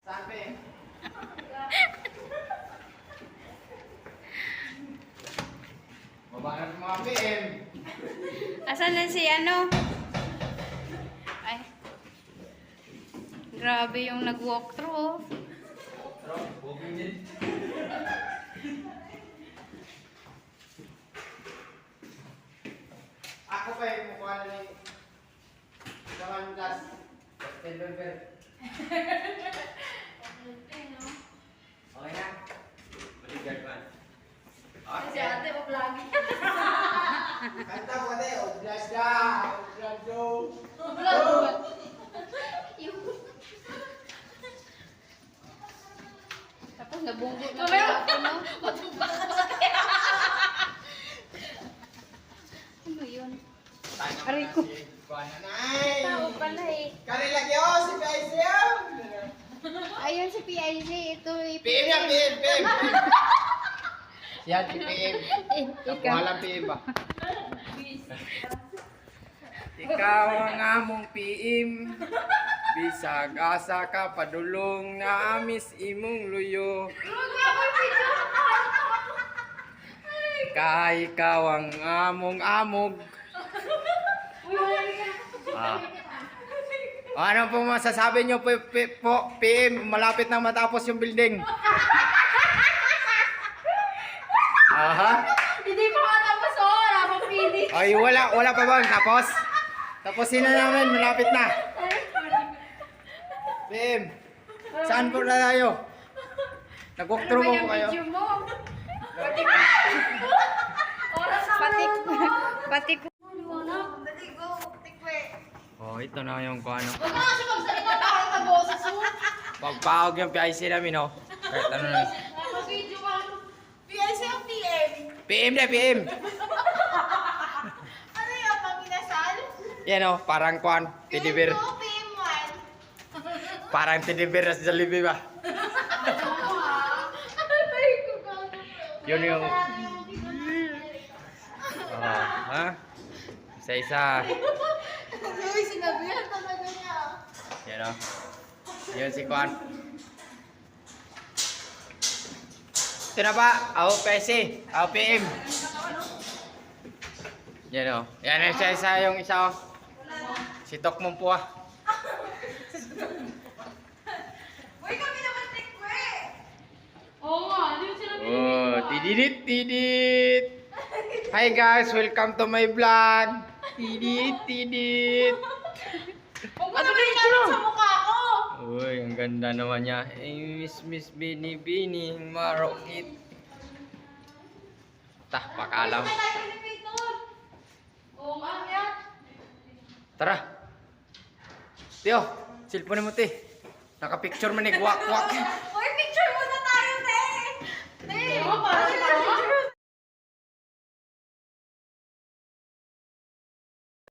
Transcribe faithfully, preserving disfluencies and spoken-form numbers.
Sabi. Baba na mga P M. Asan na si ano? Ay. Grabe yung nag-walk through. Ako pa yung mukha na ni Kawan Das. Captain Berber. Okay na? Maligad man. Si ate pa lagi. Kanta ko de, Odras da, Odras do. Tapos nabunggo na pala ako, no? Ano yun? Aray ko. Kuananay. Tao pala eh. Kari lagi oh, si P I C oh. Ayun si P I C. Ito eh. P M yan, P M, P M. Siya si P M. Eh, Ako ikaw. alam P M ba? Ikaw ang among P M. Bisag asa ka padulong na amis imong luyo. Kay ikaw ang among amog. Ah. Ano po masasabi nyo po, po, po P M? Malapit na matapos yung building. Aha. Hindi pa matapos oh, wala pa finish. Ay, wala, wala pa bang tapos? Tapusin na namin, malapit na. P M, saan po na tayo? Nag-walk through Ano ba mo yung kayo? video mo? Oras na Pati, marunong. pati ko. Dali, go. Tikwe. Oh, ito na yung kung ano. Huwag ka kasi magsalita na kayo na boses mo. Pagpahog yung P I C namin, oh. Kahit ano na. Naka-video ka. P I C o P M? P M na, P M. Ano yun, paminasal? Yan, oh, parang kwan, teddy bear. P M two, P M one. Parang teddy bear sa Jollibee ba? Oo ha. Ay, ko ka. Yun yung... Ano Oh, ha? Isa-isa. Uy, sinabihan talaga niya. Yan, oh. Yun si Kwan. Ito na ba? Ako P I C. Ako P M. Yan, oh. Yan yung isa-isa yung isa, oh. Si Tok mong po, ah. Uy, kami naman tikwe. Oo nga, hindi mo sila Oh, tididit, tidit. Hi guys, welcome to my vlog. Tidit, tidit. Huwag mo Ano naman na ito? itanong sa mukha ko. Uy, ang ganda naman niya. Eh, Miss Miss Bini Bini Marokit. Tah, pakalam. Ay, tayo ni Peter. Oo nga, yan. Tara. Tiyo, cellphone mo ti. Naka-picture man ni guwak-guwak.